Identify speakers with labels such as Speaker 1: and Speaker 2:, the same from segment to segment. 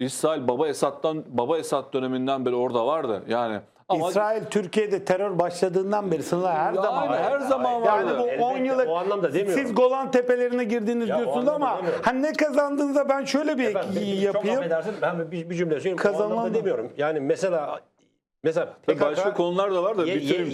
Speaker 1: İsrail Baba Esad döneminden beri orada vardı. Yani ama
Speaker 2: İsrail Türkiye'de terör başladığından beri sınırlar her zaman var.
Speaker 1: her zaman vardı.
Speaker 2: Yani bu
Speaker 3: Elbette,
Speaker 2: 10 yıllık
Speaker 3: o anlamda demiyorum.
Speaker 2: siz Golan Tepelerine girdiniz
Speaker 3: Ya, o
Speaker 2: diyorsunuz
Speaker 3: anlamda
Speaker 2: ama
Speaker 3: demiyorum.
Speaker 2: hani ne kazandığınızda ben şöyle bir
Speaker 3: Efendim, çok
Speaker 2: yapayım.
Speaker 3: affedersin, ben bir cümle söyleyeyim. O
Speaker 2: Kazanılan
Speaker 3: anlamda
Speaker 2: mı?
Speaker 3: demiyorum. Yani mesela PKK,
Speaker 1: başka konular da var da bitireyim.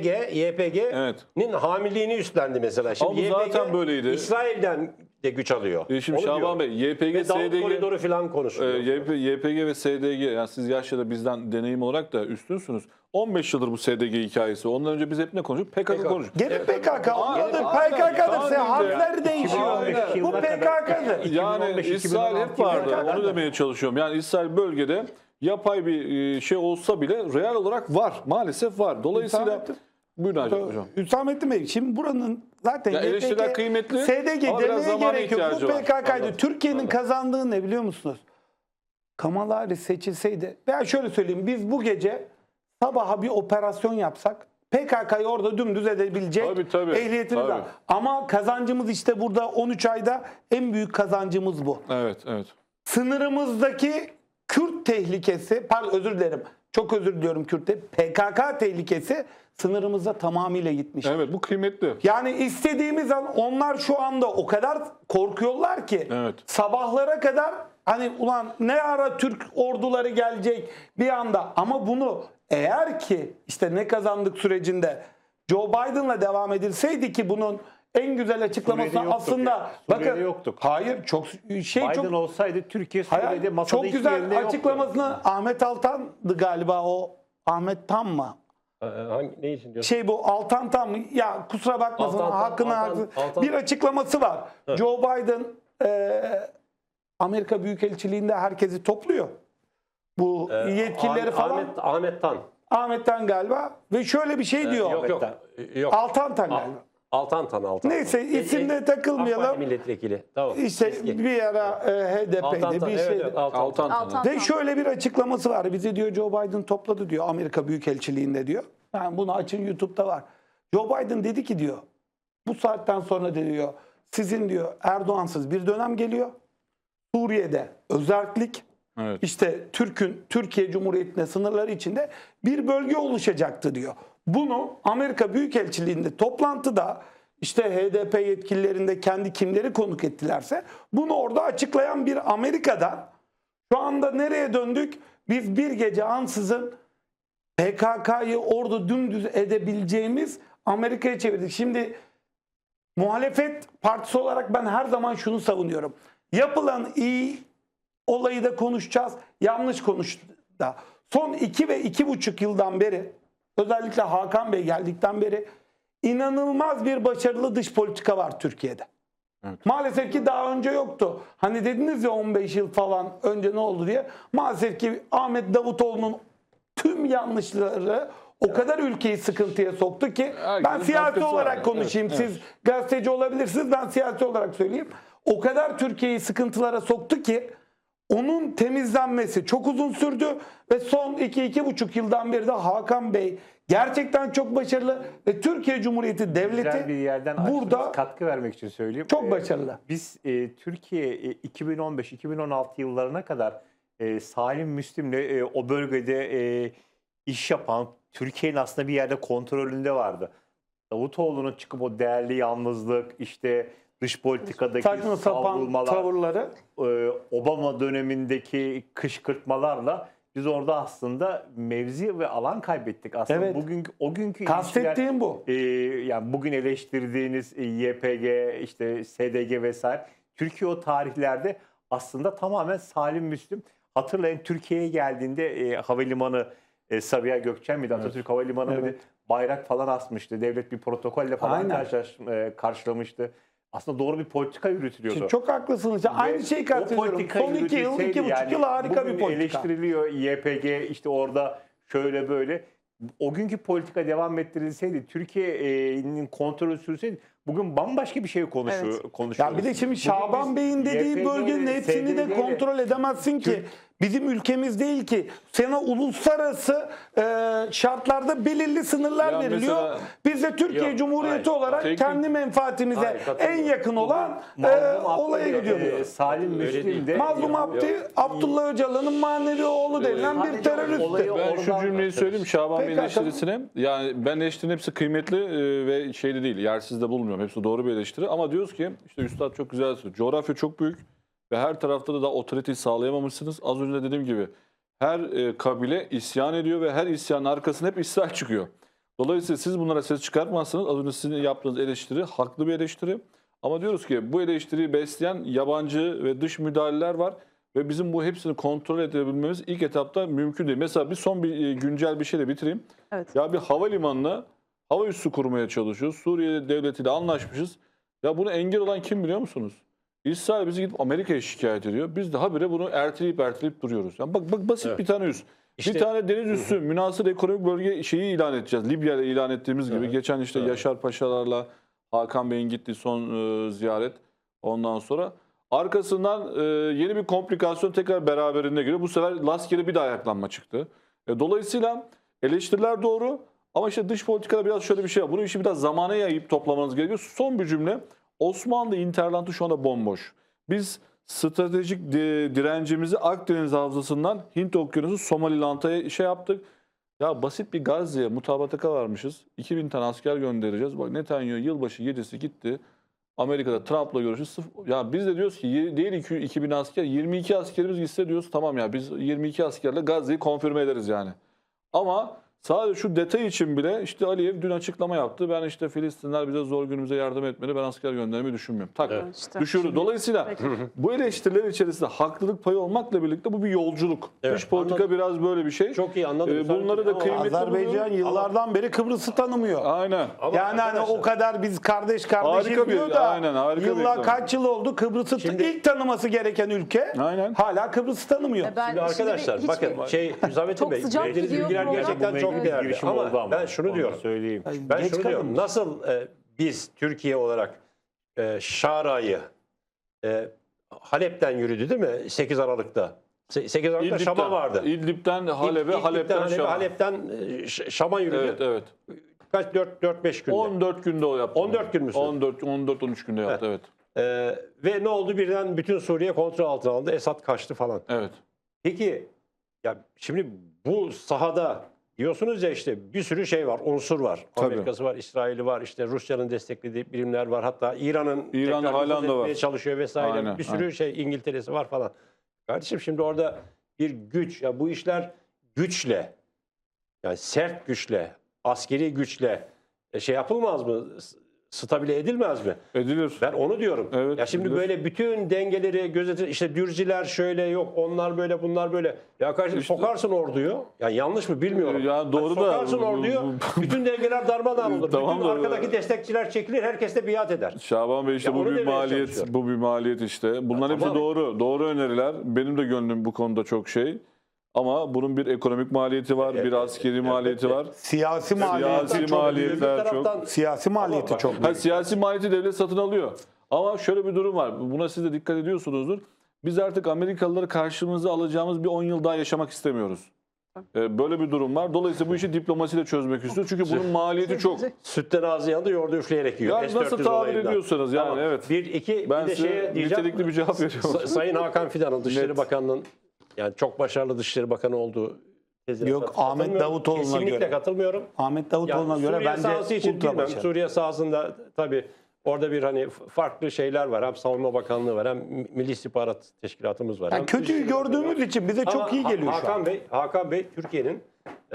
Speaker 3: YPG'nin hamiliğini üstlendi mesela. Şimdi
Speaker 1: Ama bu zaten böyleydi.
Speaker 3: İsrail'den de güç alıyor.
Speaker 1: Şimdi
Speaker 3: Onu
Speaker 1: Şaban
Speaker 3: diyorum.
Speaker 1: Bey, YPG,
Speaker 3: Ve Davut
Speaker 1: SDG,
Speaker 3: koridoru falan konuşuluyor.
Speaker 1: YPG ve SDG, yani siz yaşça da bizden deneyim olarak da üstünsünüz. 15 yıldır bu SDG hikayesi. Ondan önce biz hep ne konuştuk? PKK konuştuk.
Speaker 2: Gene PKK, ondadır,
Speaker 1: Aynen.
Speaker 2: PKK'dır.
Speaker 1: Aynen.
Speaker 2: Harfleri değişiyor.
Speaker 3: 2015
Speaker 2: Bu
Speaker 3: yılına kadar-
Speaker 2: PKK'dır.
Speaker 1: Yani
Speaker 3: 2015,
Speaker 1: İsrail hep
Speaker 3: 2016
Speaker 1: vardı.
Speaker 2: PKK'da.
Speaker 1: Onu demeye çalışıyorum. Yani İsrail bölgede yapay bir şey olsa bile real olarak var. Maalesef var. Dolayısıyla
Speaker 2: Hüsamettin.
Speaker 1: buyurun hocam.
Speaker 2: Hüsamettin Bey, şimdi buranın zaten
Speaker 1: Ya eleştiriler kıymetli
Speaker 2: SDG
Speaker 1: ama biraz
Speaker 2: demeye
Speaker 1: zamana
Speaker 2: gerek yok. Bu
Speaker 1: ihtiyacı var.
Speaker 2: PKK'ydı.
Speaker 1: Anladım.
Speaker 2: Türkiye'nin
Speaker 1: Anladım.
Speaker 2: kazandığı ne biliyor musunuz? Kamala Harris seçilseydi veya şöyle söyleyeyim, biz bu gece sabaha bir operasyon yapsak PKK'yı orada dümdüz edebilecek
Speaker 1: Tabii.
Speaker 2: ehliyetimiz var.
Speaker 1: Tabii.
Speaker 2: Ama kazancımız işte burada 13 ayda en büyük kazancımız bu.
Speaker 1: Evet.
Speaker 2: Sınırımızdaki Kürt tehlikesi, pardon özür dilerim, çok özür diliyorum Kürt'te, PKK tehlikesi sınırımıza tamamıyla gitmiş.
Speaker 1: Evet, bu kıymetli.
Speaker 2: Yani istediğimiz an onlar şu anda o kadar korkuyorlar ki
Speaker 1: Evet.
Speaker 2: sabahlara kadar hani ulan ne ara Türk orduları gelecek bir anda, ama bunu eğer ki işte ne kazandık sürecinde Joe Biden'la devam edilseydi ki bunun en güzel açıklaması
Speaker 4: Suriye'de yoktuk
Speaker 2: aslında
Speaker 4: ya. Suriye'de
Speaker 2: bakın
Speaker 4: yoktuk.
Speaker 2: hayır çok
Speaker 4: Biden
Speaker 2: çok
Speaker 4: olsaydı Türkiye
Speaker 2: hayır,
Speaker 4: Suriye'de masada
Speaker 2: çok
Speaker 4: hiçbir
Speaker 2: güzel
Speaker 4: yerinde yoktu.
Speaker 2: açıklamasını Ahmet Altan'dı galiba, o Ahmet Tam mı?
Speaker 3: Ne için diyorsun?
Speaker 2: Bu Altan Tam mı? Ya kusura bakmasın, hakkını
Speaker 3: Altan.
Speaker 2: bir açıklaması var.
Speaker 3: Evet.
Speaker 2: Joe Biden Amerika Büyükelçiliğinde herkesi topluyor. Bu yetkilileri falan.
Speaker 3: Ahmet Tan.
Speaker 2: Ahmet Tan galiba ve şöyle bir şey diyor.
Speaker 3: Yok.
Speaker 2: Altan Tan galiba.
Speaker 3: Altan.
Speaker 2: Neyse, isimde
Speaker 3: AK Parti
Speaker 2: takılmayalım.
Speaker 3: milletvekili. Tamam.
Speaker 2: İşte
Speaker 3: Eski.
Speaker 2: bir ara HDP'de
Speaker 3: Altan,
Speaker 2: bir
Speaker 3: evet,
Speaker 2: şey.
Speaker 3: evet,
Speaker 1: Altan.
Speaker 2: Ve şöyle bir açıklaması var. Bizi diyor Joe Biden topladı diyor Amerika Büyükelçiliğinde diyor. Yani bunu açın, YouTube'da var. Joe Biden dedi ki diyor, bu saatten sonra diyor sizin diyor Erdoğansız bir dönem geliyor. Suriye'de özellik,
Speaker 1: Evet.
Speaker 2: işte Türkiye Cumhuriyeti'ne sınırları içinde bir bölge oluşacaktı diyor. Bunu Amerika Büyükelçiliğinde toplantıda işte HDP yetkililerinde kendi kimleri konuk ettilerse bunu orada açıklayan bir Amerika'dan şu anda nereye döndük? Biz bir gece ansızın PKK'yı orada dümdüz edebileceğimiz Amerika'ya çevirdik. Şimdi muhalefet partisi olarak ben her zaman şunu savunuyorum. Yapılan iyi olayı da konuşacağız, yanlış konuştu da. Son 2 ve 2,5 yıldan beri, özellikle Hakan Bey geldikten beri inanılmaz bir başarılı dış politika var Türkiye'de.
Speaker 1: Evet.
Speaker 2: Maalesef ki daha önce yoktu. Hani dediniz ya 15 yıl falan önce ne oldu diye. Maalesef ki Ahmet Davutoğlu'nun tüm yanlışları o kadar ülkeyi sıkıntıya soktu ki ben
Speaker 1: Herkesin
Speaker 2: siyasi
Speaker 1: katkısı
Speaker 2: olarak
Speaker 1: var.
Speaker 2: konuşayım.
Speaker 1: Evet,
Speaker 2: Siz gazeteci olabilirsiniz, ben siyasi olarak söyleyeyim. O kadar Türkiye'yi sıkıntılara soktu ki onun temizlenmesi çok uzun sürdü ve son 2-2,5 yıldan beri de Hakan Bey gerçekten çok başarılı ve Türkiye Cumhuriyeti
Speaker 4: Güzel
Speaker 2: Devleti
Speaker 4: bir yerden
Speaker 2: burada
Speaker 4: açtınız, katkı vermek için söyleyeyim.
Speaker 2: çok başarılı.
Speaker 4: Biz Türkiye 2015-2016 yıllarına kadar Salim Müslim'le o bölgede iş yapan, Türkiye'nin aslında bir yerde kontrolünde vardı. Davutoğlu'nun çıkıp o değerli yalnızlık, işte dış politikadaki
Speaker 2: Saçma sapan
Speaker 4: savrulmalar,
Speaker 2: tavırları.
Speaker 4: Obama dönemindeki kışkırtmalarla biz orada aslında mevzi ve alan kaybettik. Aslında
Speaker 2: Evet.
Speaker 4: o günkü
Speaker 2: Kastettiğim bu.
Speaker 4: yani bugün eleştirdiğiniz YPG, işte SDG vesaire, Türkiye o tarihlerde aslında tamamen Salim Müslim. Hatırlayın, Türkiye'ye geldiğinde havalimanı Sabiha Gökçen miydi? Atatürk Havalimanı mıydı?
Speaker 2: Evet.
Speaker 4: Bayrak falan asmıştı. Devlet bir protokolle falan
Speaker 2: Aynen.
Speaker 4: karşılamıştı. Aslında doğru bir politika yürütülüyordu.
Speaker 2: Çok haklısınız. Aynı şeyi kastediyorum. Son 2 yıl, 2,5 yıl harika bir
Speaker 4: bugün
Speaker 2: politika.
Speaker 4: eleştiriliyor YPG, işte orada şöyle böyle. O günkü politika devam ettirilseydi, Türkiye'nin kontrolü sürseydi bugün bambaşka bir şey konuşuyoruz.
Speaker 2: Ya bir de şimdi Şaban Bey'in dediği
Speaker 4: YPG,
Speaker 2: bölgenin hepsini de
Speaker 4: SDG 'le
Speaker 2: kontrol edemezsin ki. bizim ülkemiz değil ki. Sana uluslararası şartlarda belirli sınırlar
Speaker 1: Ya
Speaker 2: veriliyor.
Speaker 1: mesela-
Speaker 2: Biz de Türkiye
Speaker 3: Yok,
Speaker 2: Cumhuriyeti
Speaker 3: hayır.
Speaker 2: olarak
Speaker 1: Teknik-
Speaker 2: kendi menfaatimize
Speaker 3: Hayır,
Speaker 2: en
Speaker 3: katılıyorum.
Speaker 2: yakın olan
Speaker 4: Mazlum
Speaker 2: olaya
Speaker 4: Abdü-
Speaker 2: gidiyoruz.
Speaker 4: Salim
Speaker 3: Öyle
Speaker 4: Müslim
Speaker 3: değil.
Speaker 4: de
Speaker 2: Mazlum Abdullah Öcalan'ın manevi oğlu denilen bir
Speaker 4: Sadece
Speaker 2: terörist.
Speaker 4: olayı
Speaker 1: Ben şu
Speaker 4: oradan
Speaker 1: cümleyi söyleyeyim Şaban Bey'in
Speaker 2: Peki,
Speaker 1: eleştirisine. Yani ben eleştirinin hepsi kıymetli ve şeyde değil, yersiz de bulmuyorum. Hepsi doğru bir eleştiri. Ama diyoruz ki işte Üstad çok güzel söylüyor. Coğrafya çok büyük ve her tarafta da otoriteyi sağlayamamışsınız. Az önce de dediğim gibi her kabile isyan ediyor ve her isyanın arkasında hep İsrail çıkıyor. Dolayısıyla siz bunlara ses çıkartmazsınız. Az önce sizin yaptığınız eleştiri haklı bir eleştiri. Ama diyoruz ki bu eleştiriyi besleyen yabancı ve dış müdahaleler var. Ve bizim bu hepsini kontrol edebilmemiz ilk etapta mümkün değil. Mesela bir son bir güncel bir şeyle bitireyim.
Speaker 5: Evet.
Speaker 1: Ya bir havalimanına hava üssü kurmaya çalışıyoruz. Suriye devletiyle anlaşmışız. Ya bunu engel olan kim biliyor musunuz? İsrail bizi gidip Amerika'ya şikayet ediyor. Biz de habire bunu erteleyip duruyoruz. Yani bak basit
Speaker 3: Evet.
Speaker 1: bir tane üs.
Speaker 3: İşte-
Speaker 1: bir tane deniz üssü münhasır ekonomik bölge şeyi ilan edeceğiz. Libya ile ilan ettiğimiz gibi.
Speaker 3: Evet.
Speaker 1: Geçen işte
Speaker 3: Evet.
Speaker 1: Yaşar Paşalarla Hakan Bey'in gittiği son ziyaret. Ondan sonra arkasından yeni bir komplikasyon tekrar beraberinde geliyor. Bu sefer Laski'de bir daha ayaklanma çıktı. Dolayısıyla eleştiriler doğru ama işte dış politikada biraz şöyle bir şey var. Bunu işi biraz zamana yayıp toplamanız gerekiyor. Son bir cümle. Osmanlı hinterlandı şu anda bomboş. Biz stratejik direncimizi Akdeniz Havzası'ndan Hint Okyanusu Somaliland'a şey yaptık. Ya basit bir Gazze'ye mutabakata varmışız. 2000 tane asker göndereceğiz. Bak Netanyahu yılbaşı gecesi gitti. Amerika'da Trump'la görüştü. Ya biz de diyoruz ki değil 2000 asker, 22 askerimiz gitse diyoruz tamam ya biz 22 askerle Gazze'yi konfirme ederiz yani. Ama sadece şu detay için bile işte Aliyev dün açıklama yaptı. Ben işte Filistinler bize zor günümüze yardım etmeli. Ben asker göndermeyi düşünmüyorum. Tak
Speaker 3: Evet.
Speaker 5: İşte.
Speaker 1: düşürdü. Dolayısıyla
Speaker 5: Peki.
Speaker 1: bu eleştiriler içerisinde haklılık payı olmakla birlikte bu bir yolculuk.
Speaker 3: Evet,
Speaker 1: Dış politika
Speaker 3: anladım.
Speaker 1: biraz böyle bir şey.
Speaker 3: Çok iyi anladım.
Speaker 1: Bunları da
Speaker 3: Ama
Speaker 1: kıymetli
Speaker 2: Azerbaycan
Speaker 1: buluyorum.
Speaker 2: yıllardan beri Kıbrıs'ı tanımıyor.
Speaker 1: Aynen.
Speaker 3: Ama
Speaker 2: Yani hani
Speaker 3: arkadaşlar-
Speaker 2: o kadar biz kardeş
Speaker 1: Harika bir-
Speaker 2: diyor da
Speaker 1: aynen, harika bir
Speaker 2: yıllar
Speaker 1: reklam.
Speaker 2: kaç yıl oldu Kıbrıs'ı
Speaker 3: Şimdi-
Speaker 2: ilk tanıması gereken ülke
Speaker 1: Aynen.
Speaker 2: hala Kıbrıs'ı tanımıyor.
Speaker 5: Ben
Speaker 3: Şimdi arkadaşlar
Speaker 5: hiçbir-
Speaker 3: bakın Hüsamettin
Speaker 5: Çok
Speaker 3: Bey
Speaker 5: sıcak
Speaker 3: verdiğiniz
Speaker 5: gidiyor
Speaker 3: bilgiler
Speaker 5: program.
Speaker 3: gerçekten çok
Speaker 5: Evet.
Speaker 3: değerli.
Speaker 4: girişim
Speaker 3: Ama
Speaker 4: oldu ama.
Speaker 3: ben şunu
Speaker 4: Onu
Speaker 3: diyorum.
Speaker 4: söyleyeyim.
Speaker 3: Ben
Speaker 2: Geç
Speaker 3: şunu diyorum.
Speaker 2: kalınmış.
Speaker 3: Nasıl biz Türkiye olarak Şara'yı Halep'ten yürüdü değil mi? 8 Aralık'ta. 8 Aralık'ta Şam'a vardı.
Speaker 1: İdlib'den Halep'e, Halep'ten Şam'a.
Speaker 3: Halep'ten Şam'a yürüdü.
Speaker 1: Evet, evet.
Speaker 3: Kaç 4-5 günde.
Speaker 1: 14 günde o yaptı.
Speaker 3: 14 gün mü sürdü?
Speaker 1: 14-13 günde yaptı, evet.
Speaker 3: Ve ne oldu? Birden bütün Suriye kontrol altına aldı. Esad kaçtı falan.
Speaker 1: Evet.
Speaker 3: Peki ya şimdi bu sahada diyorsunuz ya işte bir sürü şey var, unsur var.
Speaker 1: Tabii.
Speaker 3: Amerika'sı var, İsrail'i var, işte Rusya'nın desteklediği birimler var. Hatta İran'ın
Speaker 1: İran
Speaker 3: tekrar
Speaker 1: halen
Speaker 3: nüfuz
Speaker 1: de var.
Speaker 3: etmeye çalışıyor vesaire.
Speaker 1: Aynen,
Speaker 3: bir sürü
Speaker 1: aynen.
Speaker 3: şey İngiltere'si var falan. Kardeşim şimdi orada bir güç ya bu işler güçle yani sert güçle, askeri güçle şey yapılmaz mı? Stabile edilmez mi?
Speaker 1: Edilir.
Speaker 3: Ben onu diyorum.
Speaker 1: Evet,
Speaker 3: ya şimdi
Speaker 1: edilir.
Speaker 3: böyle bütün dengeleri gözetir. İşte Dürziler şöyle yok, onlar böyle, bunlar böyle. Ya kardeşim
Speaker 1: İşte-
Speaker 3: sokarsın orduyu. Ya yanlış mı bilmiyorum.
Speaker 1: Ya doğru da-
Speaker 3: Sokarsın orduyu. bütün dengeler darmadağın olur.
Speaker 1: Tamam
Speaker 3: bütün
Speaker 1: da-
Speaker 3: arkadaki destekçiler çekilir. Herkes de biat eder.
Speaker 1: Şaban Bey işte
Speaker 3: Ya
Speaker 1: bu
Speaker 3: onu
Speaker 1: bir
Speaker 3: demeye
Speaker 1: maliyet,
Speaker 3: çalışıyorum.
Speaker 1: bu bir maliyet işte. Bunların hepsi
Speaker 3: tamam.
Speaker 1: doğru. Doğru öneriler. Benim de gönlüm bu konuda çok şey. Ama bunun bir ekonomik maliyeti var, bir askeri maliyeti var.
Speaker 2: Siyasi maliyeti
Speaker 1: Siyasi
Speaker 2: çok
Speaker 1: maliyetler
Speaker 3: Öbür
Speaker 1: çok.
Speaker 3: taraftan-
Speaker 2: Siyasi maliyeti
Speaker 3: bak-
Speaker 2: çok
Speaker 1: Ha, siyasi maliyeti devlet satın alıyor. Ama şöyle bir durum var. Buna siz de dikkat ediyorsunuzdur. Biz artık Amerikalıları karşımıza alacağımız bir 10 yıl daha yaşamak istemiyoruz. Böyle bir durum var. Dolayısıyla bu işi diplomasiyle çözmek istiyoruz. Çünkü bunun maliyeti çok.
Speaker 3: Sütten ağzı yandı, yoğurdu üfleyerek yiyor.
Speaker 1: Yani nasıl
Speaker 3: S-400
Speaker 1: tabir
Speaker 3: olayından.
Speaker 1: ediyorsanız yani,
Speaker 3: Tamam.
Speaker 1: evet.
Speaker 3: Bir, iki,
Speaker 1: Ben
Speaker 3: bir de
Speaker 1: size
Speaker 3: şeye diyeceğim.
Speaker 1: nitelikli bir cevap veriyorum.
Speaker 3: Sayın Hakan Fidan'ın Dışişleri
Speaker 1: Net.
Speaker 3: Bakanı'nın yani çok başarılı Dışişleri Bakanı olduğu tezine
Speaker 2: Yok, Ahmet
Speaker 3: katılmıyorum.
Speaker 2: Davutoğlu'na
Speaker 3: Kesinlikle
Speaker 2: göre.
Speaker 3: katılmıyorum.
Speaker 2: Ahmet Davutoğlu'na
Speaker 3: Yani
Speaker 2: göre
Speaker 3: Suriye
Speaker 2: bence
Speaker 3: sahası için
Speaker 2: ultra
Speaker 3: bilmem.
Speaker 2: başarılı.
Speaker 3: Suriye sahasında tabii orada bir hani farklı şeyler var. Hem Savunma Bakanlığı var, hem Milli İstihbarat Teşkilatımız var.
Speaker 2: Yani
Speaker 3: hem
Speaker 2: kötüyü
Speaker 3: Dışişleri Bakanlığı var.
Speaker 2: gördüğümüz için bize
Speaker 3: Ama
Speaker 2: çok iyi geliyor şu an.
Speaker 3: Hakan Bey Türkiye'nin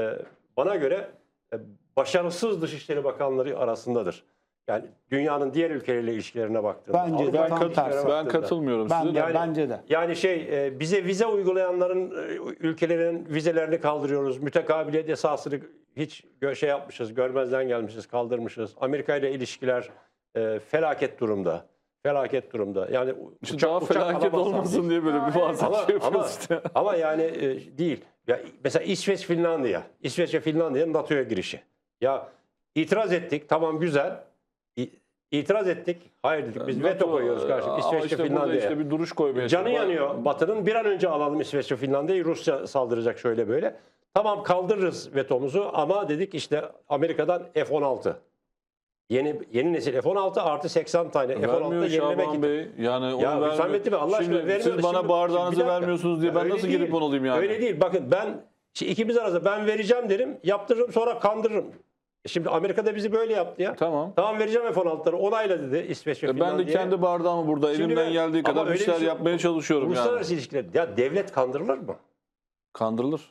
Speaker 3: bana göre başarısız Dışişleri Bakanları arasındadır. Yani dünyanın diğer ülkeleriyle ilişkilerine baktığında.
Speaker 2: Bence de
Speaker 3: Avrupa'yla
Speaker 2: tam
Speaker 3: ilişkilere
Speaker 2: tersi.
Speaker 1: Ben
Speaker 3: baktığında.
Speaker 1: katılmıyorum
Speaker 2: Ben
Speaker 1: size.
Speaker 2: de,
Speaker 1: de.
Speaker 2: bence de.
Speaker 3: Yani bize vize uygulayanların ülkelerin vizelerini kaldırıyoruz. Mütekabiliyet esasını hiç şey yapmışız, görmezden gelmişiz, kaldırmışız. Amerika ile ilişkiler felaket durumda. Felaket durumda. Yani
Speaker 1: İşte daha felaket
Speaker 3: alamazsan
Speaker 1: olmasın diye böyle bir bazen
Speaker 3: ama,
Speaker 1: şey yapıyoruz
Speaker 3: ama,
Speaker 1: işte.
Speaker 3: ama yani değil. Ya mesela İsveç, Finlandiya. İsveç ve Finlandiya'nın NATO'ya girişi. Ya itiraz ettik. Tamam güzel. İtiraz ettik. Hayır dedik. Biz veto koyuyoruz karşı
Speaker 1: Ama
Speaker 3: İsveç'te
Speaker 1: işte burada
Speaker 3: Finlandiya'ya.
Speaker 1: işte bir duruş koymaya
Speaker 3: Canı
Speaker 1: çalışıyor.
Speaker 3: yanıyor Batı'nın. Bir an önce alalım İsveç'e Finlandiya'yı. Rusya saldıracak şöyle böyle. Tamam kaldırırız vetomuzu ama dedik işte Amerika'dan F-16. Yeni nesil F-16 artı 80 tane F-16'da
Speaker 1: Vermiyor
Speaker 3: yenilemek
Speaker 1: Şaban
Speaker 3: için.
Speaker 1: Bey. Yani onu
Speaker 3: Ya
Speaker 1: vermiyor.
Speaker 3: Hüsamettin Bey, Allah aşkına
Speaker 1: Şimdi
Speaker 3: vermiyor.
Speaker 1: siz bana
Speaker 3: Şimdi-
Speaker 1: bardağınızı
Speaker 3: bir dakika.
Speaker 1: vermiyorsunuz diye ben
Speaker 3: Öyle
Speaker 1: nasıl
Speaker 3: değil.
Speaker 1: gidip onu alayım yani?
Speaker 3: Öyle değil. Bakın ben şimdi ikimiz arasında ben vereceğim derim, yaptırırım sonra kandırırım. Şimdi Amerika'da bizi böyle yaptı ya.
Speaker 1: Tamam.
Speaker 3: Tamam vereceğim F-16'ları onayla dedi İsveç ve
Speaker 1: Ben de
Speaker 3: Finlandiya.
Speaker 1: kendi bardağımı burada
Speaker 3: Şimdi
Speaker 1: elimden
Speaker 3: ben-
Speaker 1: geldiği
Speaker 3: ama
Speaker 1: kadar bir
Speaker 3: öyle
Speaker 1: şeyler
Speaker 3: şey-
Speaker 1: yapmaya çalışıyorum yani.
Speaker 3: Uluslararası ilişkiler. Ya devlet kandırılır mı?
Speaker 1: Kandırılır.